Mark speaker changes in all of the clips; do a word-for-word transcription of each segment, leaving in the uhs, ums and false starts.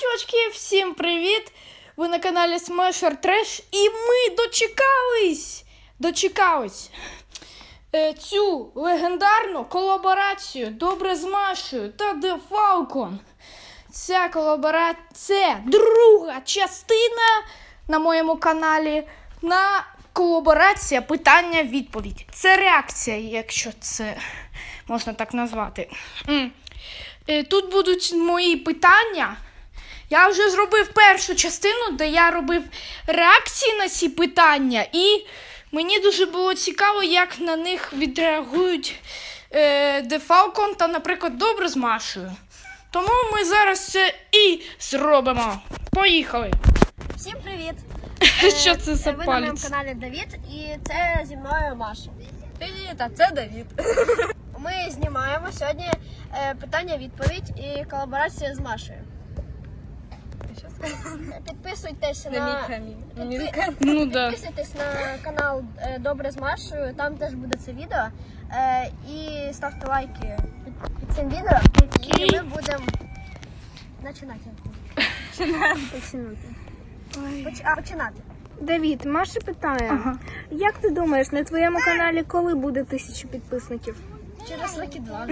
Speaker 1: чувачки, всім привіт! Ви на каналі Smasher Trash і ми дочекались, дочекались е, цю легендарну колаборацію Добре з Машею та The Falcon. Ця колаборація, це друга частина на моєму каналі на колаборація питання-відповідь. Це реакція, якщо це можна так назвати. Тут будуть мої питання. Я вже зробив першу частину, де я робив реакції на ці питання. І мені дуже було цікаво, як на них відреагують е, The Falcon та, наприклад, Добре з Машею. Тому ми зараз це і зробимо. Поїхали!
Speaker 2: Всім привіт!
Speaker 1: Що це за
Speaker 2: Ви
Speaker 1: палець?
Speaker 2: на моєму каналі Давід і це зі мною Маша.
Speaker 3: Привіт, а це Давід.
Speaker 2: Ми знімаємо сьогодні е, питання-відповідь і колаборація з Машею.
Speaker 3: Що сказати?
Speaker 2: Підписуйтесь
Speaker 3: На
Speaker 2: на,
Speaker 3: мій
Speaker 2: підпи-
Speaker 3: камінь.
Speaker 1: Ну да.
Speaker 2: підписуйтесь на канал е, Добре з Машею, там теж буде це відео. Е, і ставте лайки під, під цим відео. І ми будемо починати. Починати. Поч- а, починати.
Speaker 4: Давід, Маша питає,
Speaker 1: Ага.
Speaker 4: як ти думаєш, на твоєму каналі коли буде тисяча підписників?
Speaker 2: Через роки два.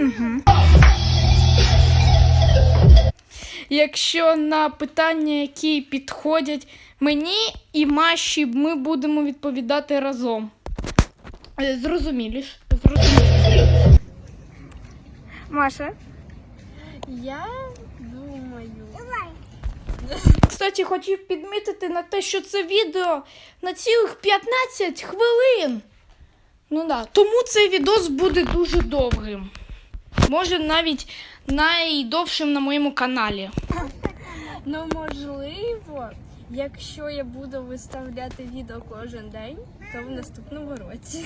Speaker 1: Якщо на питання, які підходять мені і Маші, ми будемо відповідати разом. Е, Зрозумілі ж? Зрозумілі.
Speaker 4: Маша?
Speaker 2: Я думаю.
Speaker 1: Кстати, хотів підмітити на те, що це відео на цілих п'ятнадцять хвилин. Ну да, тому цей відос буде дуже довгим. Може навіть найдовшим на моєму каналі.
Speaker 3: Ну, можливо, якщо я буду виставляти відео кожен день, то в наступному році.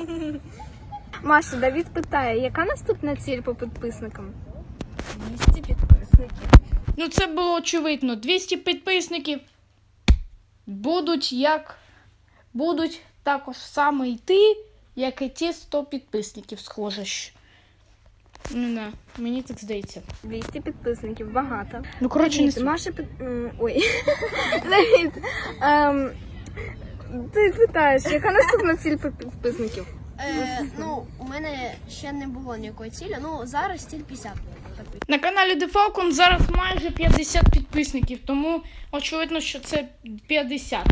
Speaker 4: Маша, Давід питає, яка наступна ціль по підписникам?
Speaker 3: двісті підписників.
Speaker 1: Ну це було очевидно. двісті підписників будуть як будуть також саме йти, як і ті сто підписників, схоже. ж. Ну да, мені так здається.
Speaker 4: двісті підписників, багато.
Speaker 1: Ну, коротше, не
Speaker 4: Давід,
Speaker 1: суть.
Speaker 4: Маша пит... м, Ой. Давід, ем, ти питаєш, яка наступна ціль по підписників?
Speaker 2: Е, ну, у мене ще не було ніякої цілі. Ну, зараз ціль п'ятдесят.
Speaker 1: На каналі The Falcon зараз майже п'ятдесят підписників, тому очевидно, що це п'ятдесят.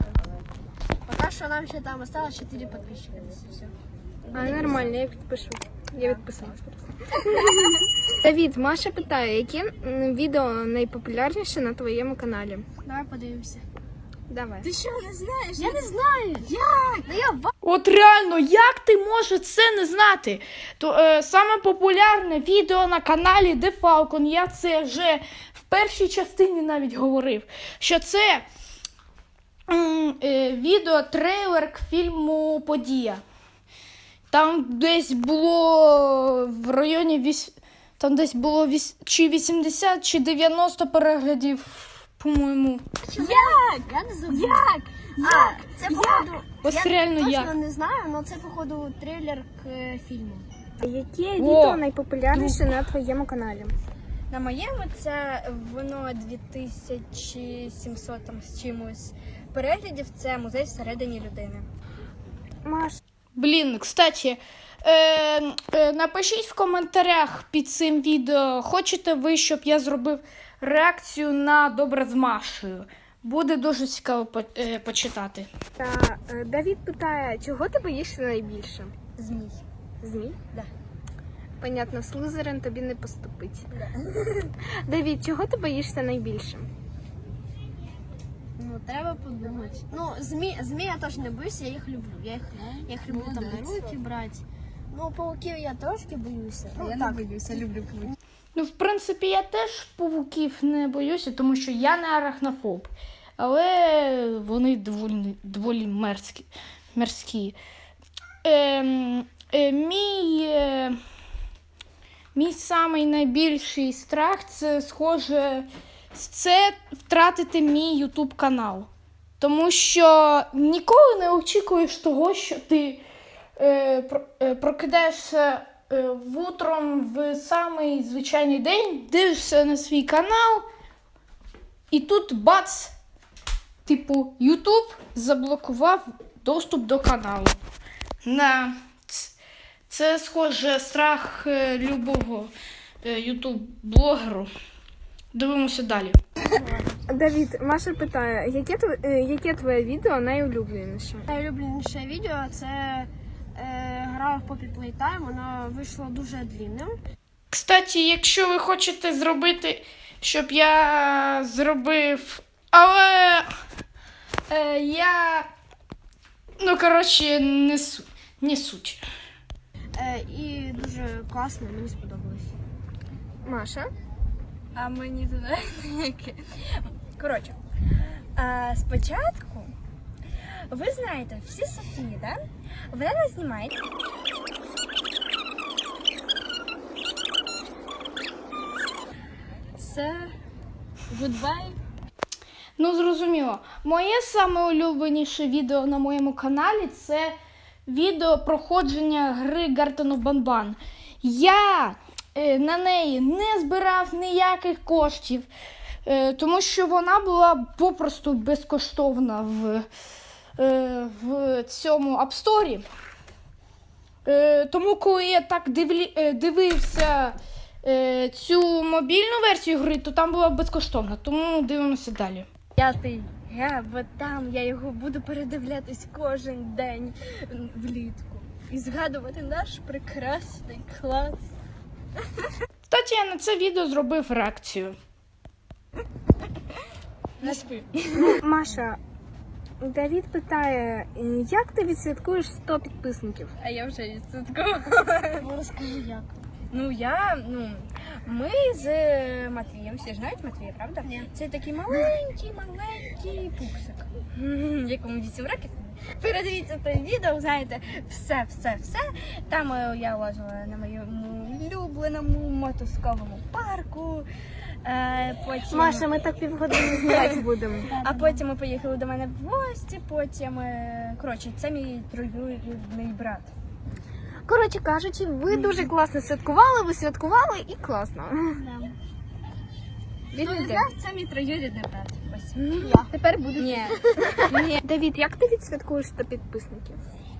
Speaker 2: Поки що нам ще там осталось чотири підписчика. Все.
Speaker 4: А, нормально, я підпишу. Я відписалась просто. Давід, Маша питає, які м, відео найпопулярніше на твоєму каналі?
Speaker 2: Давай подивимося.
Speaker 4: Давай.
Speaker 2: Ти що, не знаєш? Я не знаю. Як? Ну я ба...
Speaker 1: От реально, як ти можеш це не знати? То е, саме популярне відео на каналі The Falcon, я це вже в першій частині навіть говорив, що це м, е, відео трейлер к фільму Подія. Там десь було в районі вісь... там десь було вісь... чи вісімдесят, чи дев'яносто переглядів, по-моєму.
Speaker 2: Як? Я не знаю. Як? Як? Це походу...
Speaker 1: Ось
Speaker 2: я
Speaker 1: реально
Speaker 2: точно
Speaker 1: як.
Speaker 2: не знаю, але це походу трейлер к е, фільму.
Speaker 4: Яке
Speaker 1: О!
Speaker 4: відео найпопулярніше на твоєму каналі?
Speaker 3: На моєму це воно дві тисячі сімсот там з чимось переглядів. Це музей всередині людини.
Speaker 4: Маш,
Speaker 1: Блін, кстати, е, е, напишіть в коментарях під цим відео, хочете ви, щоб я зробив реакцію на Добре з Машею. Буде дуже цікаво по, е, почитати.
Speaker 4: та е, Давід питає, чого ти боїшся найбільше?
Speaker 2: Змій.
Speaker 4: Змій?
Speaker 2: Да.
Speaker 4: Понятно, Слизерин тобі не поступить. Давід, чого ти боїшся найбільше?
Speaker 2: Ну, треба подумати. Ну, змі, змій я теж не боюся, я їх люблю. Я їх, я їх люблю там на руки брати. Ну, пауків я трошки боюся. Ну,
Speaker 3: Я
Speaker 2: так.
Speaker 3: не боюся, люблю павуків.
Speaker 1: Ну, в принципі, я теж павуків не боюся, тому що я не арахнофоб. Але вони доволі, доволі мерзкі. мерзкі. Е, е, мій, е, мій самий найбільший страх – це, схоже, це втратити мій ютуб канал. Тому що ніколи не очікуєш того, що ти е, про, е, прокидаєшся е, в утром в самий звичайний день, дивишся на свій канал, І тут бац! Типу, YouTube заблокував доступ до каналу. На це схоже страх е, любого е, YouTube-блогеру. Дивимося далі.
Speaker 4: Давід, Маша питає, яке, тв... е, яке твоє відео найулюбленіше?
Speaker 2: Найулюбленіше відео це е, гра в Poppy Playtime, воно вийшло дуже длинним.
Speaker 1: Кстати, якщо ви хочете зробити, щоб я зробив, але е, я, ну, коротше, не, су... не суть.
Speaker 2: Е, і дуже класно, мені сподобалось.
Speaker 4: Маша?
Speaker 3: А мені туди яке. Коротше, а, спочатку, ви знаєте, всі Софії, да? Вона нас знімає. Це goodbye.
Speaker 1: Ну, зрозуміло. Моє саме улюбленіше відео на моєму каналі – це відео проходження гри Garten of Banban. Я е, на неї не збирав ніяких коштів, е, тому що вона була попросту безкоштовна в, е, в цьому App Store. Е, тому, коли я так дивлі, е, дивився е, цю мобільну версію гри, то там була безкоштовна. Тому дивимося далі.
Speaker 3: П'ятий ге, бо там я його буду передивлятись кожен день влітку. І згадувати наш прекрасний клас.
Speaker 1: Кстати, я на це відео зробив реакцію.
Speaker 3: Не спи.
Speaker 4: Маша, Давід питає, як ти відсвяткуєш сто підписників?
Speaker 3: А я вже відсоткова.
Speaker 2: Ну, розкажи як.
Speaker 3: Ну я, ну, ми з Матвієм, всі ж знають Матвія, правда?
Speaker 2: Ні.
Speaker 3: Це такий маленький, маленький пупсик, якому вісім років. Передивіться те відео, знаєте, все, все, все. Там е, я лазила на моєму улюбленому мотузковому парку. Е, потім...
Speaker 4: Маша, ми так півгодини знімати будемо.
Speaker 3: А потім ми поїхали до мене в гості, потім, е, коротше, це мій троюрідний брат.
Speaker 4: Коротше кажучи, ви дуже класно святкували, ви святкували і класно.
Speaker 3: Він не знав, це мій троюрідний брат. Ось.
Speaker 4: Тепер буде.
Speaker 3: Ні. Ні.
Speaker 4: Давід, як ти відсвяткуєш сто підписників?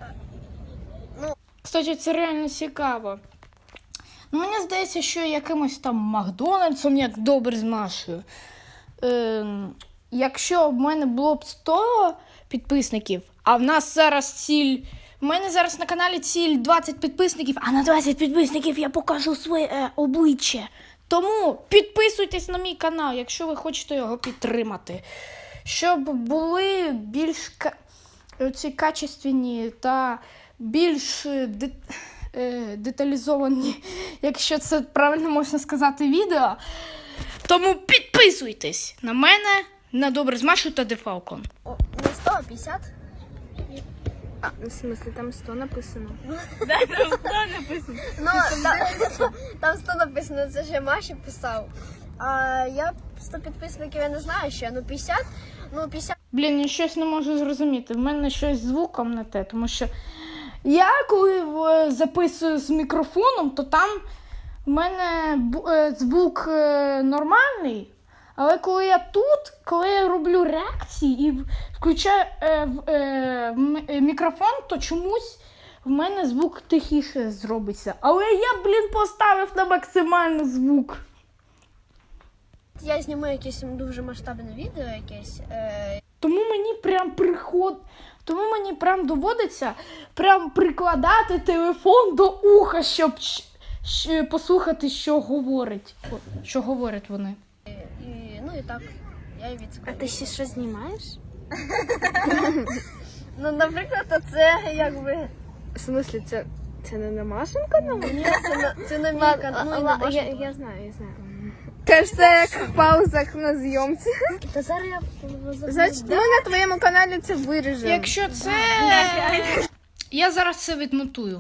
Speaker 1: Кстати, це реально цікаво. Ну, мені здається, що якимось там Макдональдсом, як добре з Машею. Е, якщо в мене було б сто підписників, а в нас зараз ціль... У мене зараз на каналі ціль двадцять підписників, а на двадцять підписників я покажу своє е, обличчя. Тому підписуйтесь на мій канал, якщо ви хочете його підтримати. Щоб були більш ка... ці качественні та більш де... е, деталізовані, якщо це правильно можна сказати, відео. Тому підписуйтесь на мене, на Добре з Машею та Дефалкон.
Speaker 2: О, не сто, а п'ятдесят.
Speaker 4: А, в смысле, там сто написано.
Speaker 2: Ну, там, там сто написано, це ще Маші писав. А я сто підписників, я не знаю ще, ну п'ятдесят, ну п'ятдесят.
Speaker 1: Блін, я щось не можу зрозуміти. В мене щось з звуком не те, тому що я коли е, записую з мікрофоном, то там в мене бу- е, звук е, нормальний, але коли я тут, коли я роблю реакції і в- включаю е, в- е, м- е, мікрофон, то чомусь в мене звук тихіше зробиться. Але я, блін, поставив на максимальний звук.
Speaker 2: Я зніму якесь дуже масштабне відео якесь. Е,
Speaker 1: Тому мені прям приход... Тому мені прям доводиться прям прикладати телефон до уха, щоб щ- щ- послухати, що говорить. О, що говорять вони.
Speaker 2: і, ну і так, я і
Speaker 4: А
Speaker 2: відскочу.
Speaker 4: ти ще що знімаєш?
Speaker 2: Ну, наприклад, це якби...
Speaker 4: В смысле, це, це не на Машин канал?
Speaker 2: Ні, це на, це на мій канал. Ну, і на
Speaker 4: я,
Speaker 2: Машин.
Speaker 4: я знаю, я знаю. Теж це як в паузах на зйомці.
Speaker 2: Та зараз я...
Speaker 4: Значить, ми на твоєму каналі це виріжемо.
Speaker 1: Якщо це... Я зараз це відмотую.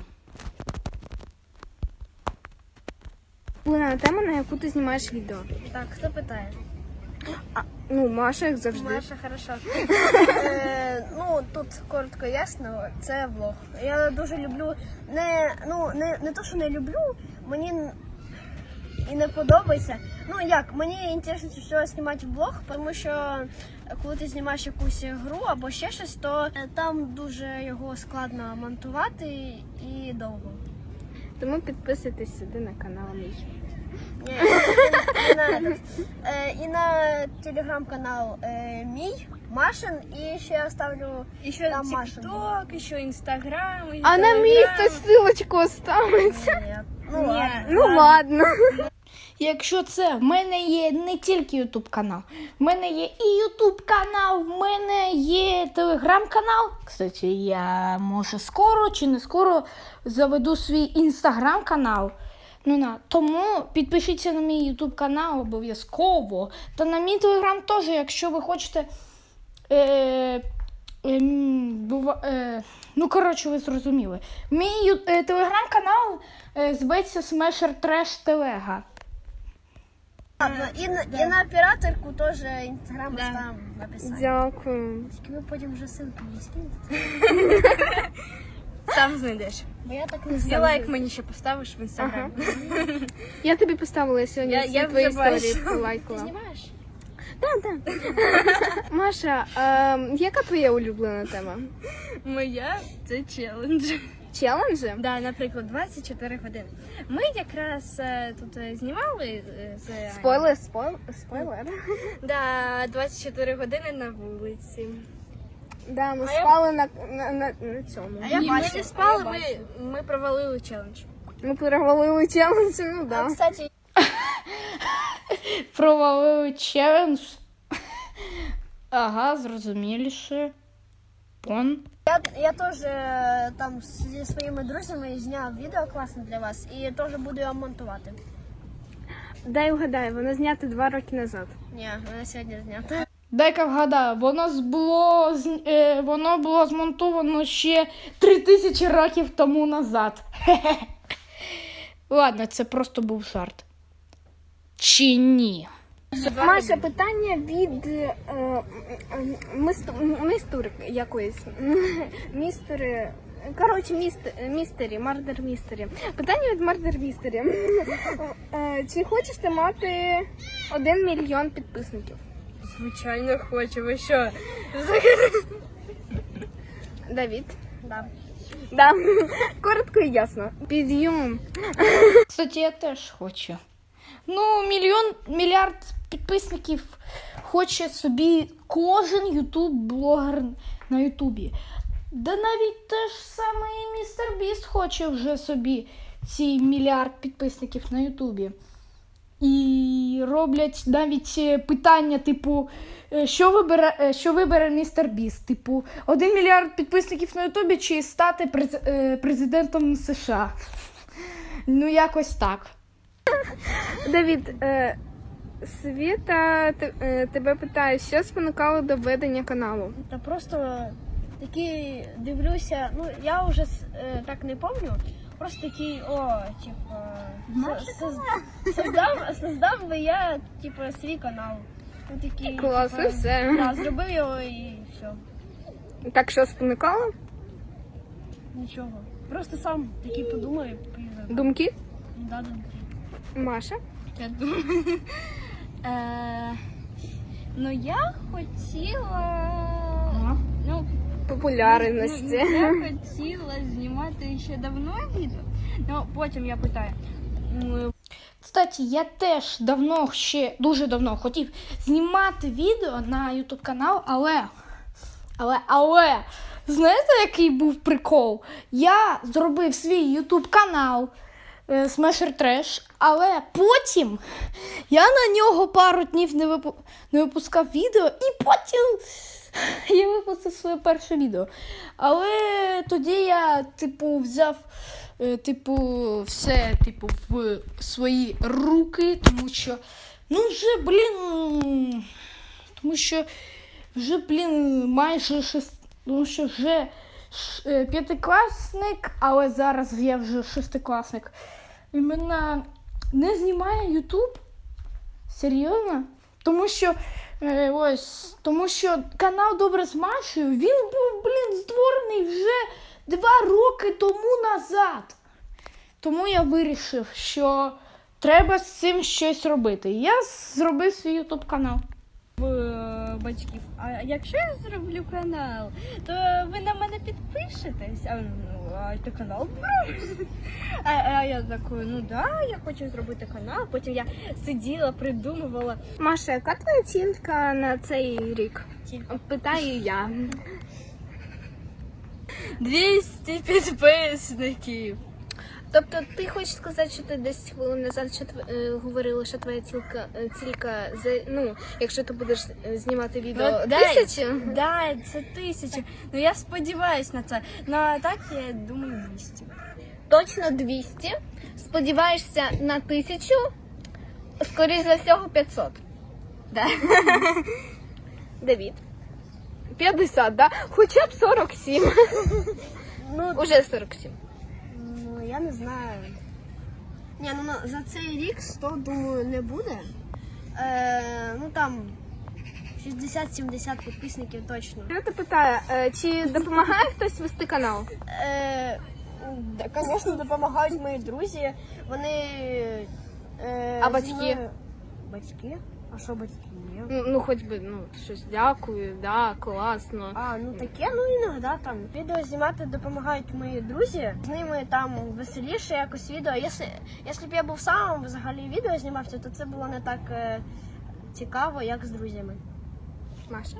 Speaker 4: Улюблена тема, на яку ти знімаєш відео.
Speaker 2: Так, хто питає?
Speaker 4: Ну, Маша, як завжди.
Speaker 2: Маша, хорошо. Е, ну, тут коротко ясно, це влог. Я дуже люблю, не, ну, не, не то, що не люблю, мені н- і не подобається, Ну як, мені інтересно все знімати влог, тому що коли ти знімаєш якусь гру або ще щось, то е, там дуже його складно монтувати і довго.
Speaker 4: Тому підписуйтесь сюди на канал мій.
Speaker 2: Ні, і, і на, этот, е, і на телеграм-канал е, мій, Машин, і ще я ставлю
Speaker 3: І ще
Speaker 2: там Машин.
Speaker 3: TikTok, і ще Інстаграм, і
Speaker 4: А на мій
Speaker 3: Телеграм.
Speaker 4: хтось ссылочку оставить.
Speaker 2: Ні, ну,
Speaker 3: Ні.
Speaker 2: ладно.
Speaker 4: Ну ладно.
Speaker 1: Якщо це, в мене є не тільки ютуб канал, в мене є і ютуб канал, в мене є телеграм-канал. Кстати, я може скоро чи не скоро заведу свій інстаграм канал. Ну на тому підпишіться на мій ютуб канал обов'язково. Та на мій телеграм теж, якщо ви хочете. Е, е, бува, е, ну, коротше, ви зрозуміли. Мій ю- е, телеграм-канал е, зветься Smasher Trash Телега.
Speaker 2: Ладно, і, на- і на операторку теж інстаграм
Speaker 3: Да.
Speaker 2: там написати.
Speaker 4: Дякую.
Speaker 2: Тільки ви потім вже ссылки не скинете.
Speaker 3: Сам знайдеш.
Speaker 2: Бо я так не
Speaker 3: І
Speaker 2: знаю.
Speaker 3: лайк мені ще поставиш в інстаграмі.
Speaker 4: Я тобі поставила сьогодні
Speaker 3: Я-
Speaker 4: всі
Speaker 3: я
Speaker 4: твої
Speaker 3: вже бачу.
Speaker 4: історії,
Speaker 2: Ти
Speaker 4: полайкала.
Speaker 2: знімаєш?
Speaker 4: Маша, а, яка твоя улюблена тема?
Speaker 3: Моя це челендж.
Speaker 4: Челенджі?
Speaker 3: Да, наприклад, двадцять чотири години. Ми якраз е, тут е, знімали е, з Анею.
Speaker 4: Спойлер, спойлер, спойлер.
Speaker 3: Да, двадцять чотири години на вулиці.
Speaker 4: Да, ми
Speaker 3: А я-
Speaker 4: спали на, на, на, на цьому.
Speaker 2: А я
Speaker 3: Ні,
Speaker 2: бачу,
Speaker 3: ми не
Speaker 2: а
Speaker 3: спали,
Speaker 2: я
Speaker 3: ми,
Speaker 2: бачу.
Speaker 3: ми провалили челендж.
Speaker 4: Ми перевалили челендж, ну
Speaker 2: А,
Speaker 4: да.
Speaker 2: кстати,
Speaker 1: Провалили челендж. Ага, зрозуміліше. Пон.
Speaker 2: я, я теж е, там зі своїми друзями зняв відео класне для вас і теж буду його монтувати.
Speaker 4: Дай угадай, воно знято два роки назад.
Speaker 2: Ні, вона сьогодні знята.
Speaker 1: Дай-ка вгадаю, воно з- було, з- е, воно було змонтовано ще три тисячі років тому назад. Хе-хе. Ладно, це просто був жарт. Чи ні?
Speaker 4: Маша, питання від е, е, мисту- мистур якоїсь. Містери. Коротше, міст, містері, мардер містері. Питання від мардер містері. Е, Чи хочеш ти мати один мільйон підписників?
Speaker 3: Звичайно, хочу, ви що?
Speaker 4: Давід?
Speaker 2: Да.
Speaker 4: Да. Коротко і ясно. Підйом.
Speaker 1: Кстати, я теж хочу. Ну, мільйон, мільярд підписників хоче собі кожен ютуб-блогер на ютубі. Да навіть те ж саме і містер Біст хоче вже собі ці мільярд підписників на ютубі. І роблять навіть е, питання, типу, е, що вибере, е, що вибере містер Біст? Типу, один мільярд підписників на ютубі чи стати през, е, президентом США? Ну, якось так.
Speaker 4: Давід, е, Світа те- е, тебе питає, що спонукало до ведення каналу?
Speaker 2: Та просто такі дивлюся, ну я вже е, так не пам'ятаю, просто такий, о, типа, соз- создав, создав би я, типа, свій канал. Ну, такий,
Speaker 4: Клас,
Speaker 2: типа,
Speaker 4: і все.
Speaker 2: Да, зробив його і все.
Speaker 4: Так що спонукало?
Speaker 2: Нічого. Просто сам такий подумав і поїздив.
Speaker 4: Думки?
Speaker 2: Да, да.
Speaker 4: Маша?
Speaker 3: Я думаю. Е, ну, я хотіла. Ну,
Speaker 4: Популярності.
Speaker 3: Ну, я хотіла знімати ще давно відео. Ну, потім я питаю. м,
Speaker 1: Кстати, я теж давно, ще дуже давно хотів знімати відео на ютуб канал, але, але, але, знаєте, який був прикол? Я зробив свій ютуб канал е, Smasher Trash, але потім я на нього пару днів не, випу... не випускав відео, і потім я випустив своє перше відео. Але тоді я, типу, взяв е, типу, все, типу, в свої руки, тому що, ну, вже, блін, тому що вже, блін, майже шест... тому що вже ш... е, п'ятикласник, але зараз я вже шестикласник. І мене не знімає Ютуб. Серйозно? Тому що е, ось, тому що канал Добре з Машею, він був, блін, створений вже два роки тому назад. Тому я вирішив, що треба з цим щось робити. Я зробив свій ютуб канал.
Speaker 3: В батьків. А якщо я зроблю канал, то ви на мене підпишетесь. А, ну, а ти канал береш? А, а я такою, ну да, я хочу зробити канал. Потім я сиділа, придумувала.
Speaker 4: Маша, яка твоя оцінка на цей рік? Питаю я.
Speaker 3: двісті підписників.
Speaker 4: Тобто ти хочеш сказати, що ти десь хвилин назад що тв- е, говорила, що твоя цілка, е, цілька, за, ну, якщо ти будеш е, знімати відео
Speaker 3: Ну, дай.
Speaker 4: тисячу?
Speaker 3: Да, це тисяча. Ну я сподіваюсь на це. Ну а так я думаю двісті.
Speaker 4: Точно двісті. Сподіваєшся на тисячу, скоріш за всього п'ятсот.
Speaker 3: Да.
Speaker 4: Давід. п'ятдесят, да? Хоча б сорок сім.
Speaker 2: Ну,
Speaker 4: Уже сорок сім.
Speaker 2: ну, я не знаю. Ні, ну на- за цей рік сто, думаю, не буде. Е, ну там шістдесят-сімдесят підписників точно.
Speaker 4: Я тебе питаю, е, чи допомагає хтось вести канал?
Speaker 2: Е, да, звісно, допомагають мої друзі. Вони. Е,
Speaker 4: А
Speaker 2: зі
Speaker 4: батьки?
Speaker 2: мною- Батьки? А що батьки? Ні.
Speaker 4: Ну, ну, хоч би, ну, щось дякую, да, класно.
Speaker 2: А, ну таке, ну іноді там. Відео знімати допомагають мої друзі. З ними там веселіше якось відео. Якщо, якщо б я був сам взагалі відео знімався, то це було не так е, цікаво, як з друзями.
Speaker 4: Маша?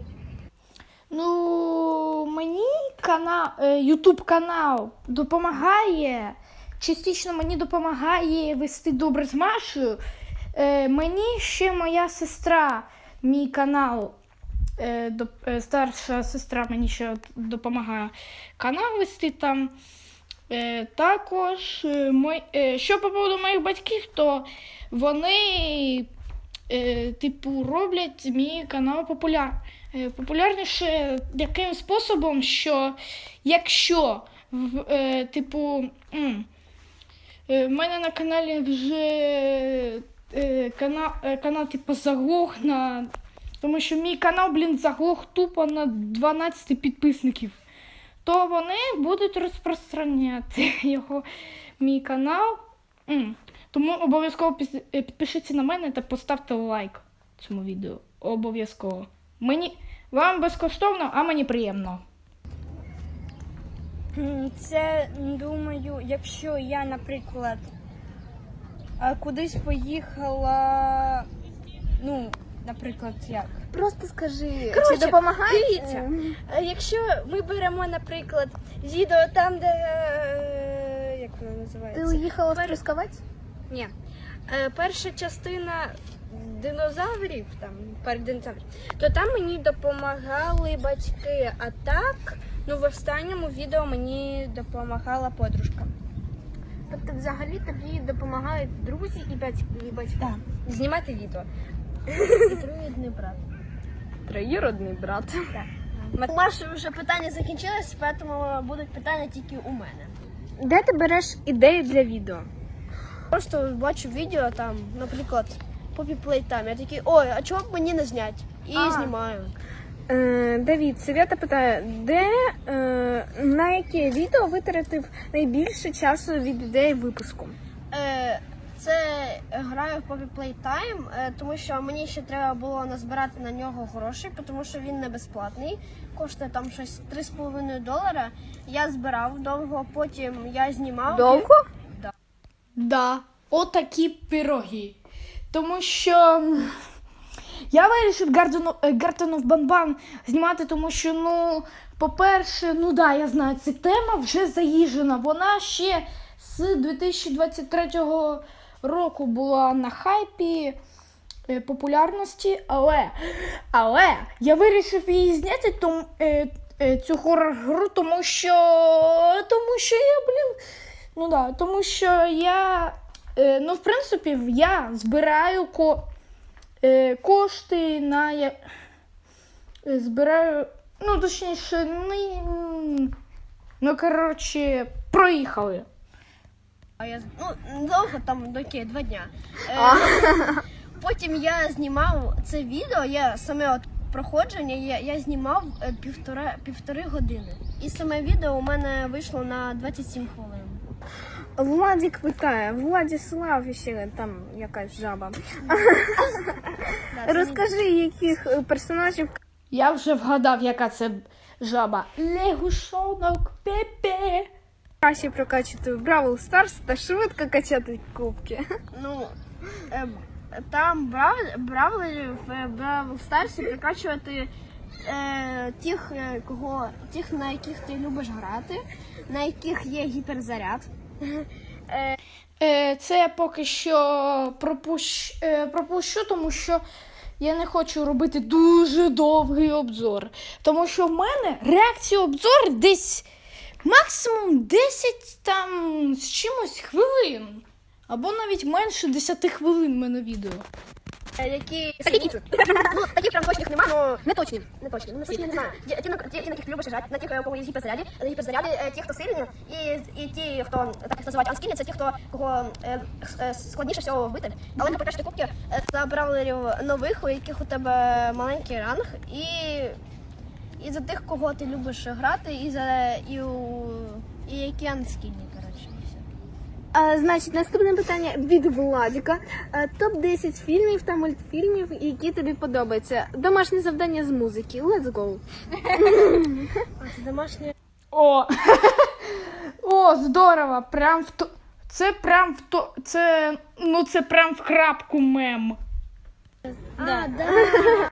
Speaker 1: Ну, мені канал, ютуб канал допомагає. Частично мені допомагає вести добре з Машею. Е, мені ще моя сестра, мій канал, е, доп- е, старша сестра мені ще допомагає канал вести там. Е, також, е, мой, е, що по поводу моїх батьків, то вони, е, типу, роблять мій канал популяр, е, популярніше таким способом, що якщо, в, е, типу, м, е, в мене на каналі вже е, канал, е, канал типу, заглох на. Тому що мій канал, блін, заглох тупо на дванадцять підписників. То вони будуть розпространяти його, мій канал. М. Тому обов'язково піс- е, підпишіться на мене та поставте лайк цьому відео. Обов'язково. Мені, вам безкоштовно, а мені приємно.
Speaker 3: М, Це, думаю, якщо я, наприклад, а, кудись поїхала, ну, наприклад, як?
Speaker 4: Просто скажи,
Speaker 3: Коротше,
Speaker 4: чи допомагає?
Speaker 3: дивіться.
Speaker 4: Е,
Speaker 3: А Якщо ми беремо, наприклад, відео там, де, е, як воно
Speaker 4: Ти
Speaker 3: називається?
Speaker 4: уїхала в
Speaker 3: Пер-
Speaker 4: Трускавець?
Speaker 3: Ні. Е, Перша частина динозаврів, там, парк динозаврів, то там мені допомагали батьки, а так, ну, в останньому відео мені допомагала подружка.
Speaker 4: Тобто взагалі тобі допомагають друзі і батьки. І батьки.
Speaker 3: Так. Знімати відео.
Speaker 2: І троюрідний брат.
Speaker 4: Троюродний брат.
Speaker 2: У Маші вже питання закінчились, тому будуть питання тільки у мене.
Speaker 4: Де ти береш ідею для відео?
Speaker 2: Просто бачу відео там, наприклад, Poppy Playtime. Я такий, ой, а чого б мені не зняти? І
Speaker 4: А.
Speaker 2: знімаю.
Speaker 4: Е, Давід, Свята питає, де, е, на яке відео витратив найбільше часу від ідеї випуску?
Speaker 2: Е, це граю в Poppy Playtime, е, тому що мені ще треба було назбирати на нього гроші, тому що він не безплатний. Коштує там щось три з половиною долара. Я збирав довго, потім я знімав.
Speaker 4: Довго?
Speaker 1: Да, отакі пироги. Тому що м, я вирішив Garden of, е, Garden of Banban знімати, тому що, ну, по-перше, ну да, я знаю, ця тема вже заїжджена. Вона ще з дві тисячі двадцять третього року була на хайпі е, популярності, але, але я вирішив її зняти, тому, е, е, цю хорор-гру, тому що, тому що я, блін, ну да, тому що я, е, ну, в принципі, я збираю ко, е, кошти на, я, е, збираю, ну, точніше, не, ну, коротше, проїхали.
Speaker 2: А я ну довго там доки два дня. Е, потім я знімав це відео, я саме от проходження, я, я знімав е, півтора півтори години. І саме відео у мене вийшло на двадцять сім хвилин.
Speaker 4: Владик питає, Владислав ще там якась жаба. Розкажи, яких е, персонажів
Speaker 1: Я вже вгадав, яка це жаба. Лягушонок Пепе.
Speaker 4: краще прокачувати в Бравл Старс та швидко качати кубки.
Speaker 2: Ну, е, там брав, бравлерів в Бравл Старсі прикачувати е, тих, е, кого, тих, на яких ти любиш грати, на яких є гіперзаряд.
Speaker 1: Е, це я поки що пропущ, е, пропущу, тому що я не хочу робити дуже довгий обзор. Тому що в мене реакція обзор десь максимум десять там з чимось хвилин. Або навіть менше десять хвилин в мене відео.
Speaker 2: Е, які ну, таких прям точних немає, але не точні. Не точні. Ну, не точні, не знаю. Ті, ті, на- ті, ті, на яких ти любиш грати, на тих, у кого є гіперзаряді, на гіперзаряді е, ті, хто сильні, і, і ті, хто так їх називають анскільні, це ті, хто кого е, е, складніше всього вбити. Але ти покажеш кубки е, за бравлерів нових, у яких у тебе маленький ранг, і, і за тих, кого ти любиш грати, і за і, у, і які анскільні, коротше. і все.
Speaker 4: А, значить, наступне питання від Владіка. топ десять фільмів та мультфільмів, які тобі подобаються. Домашнє завдання з музики. Let's go.
Speaker 2: А це домашнє.
Speaker 1: О! О, здорово! Прям в то. Це прям в то. Це. Ну це прям в крапку мем.
Speaker 2: А, да.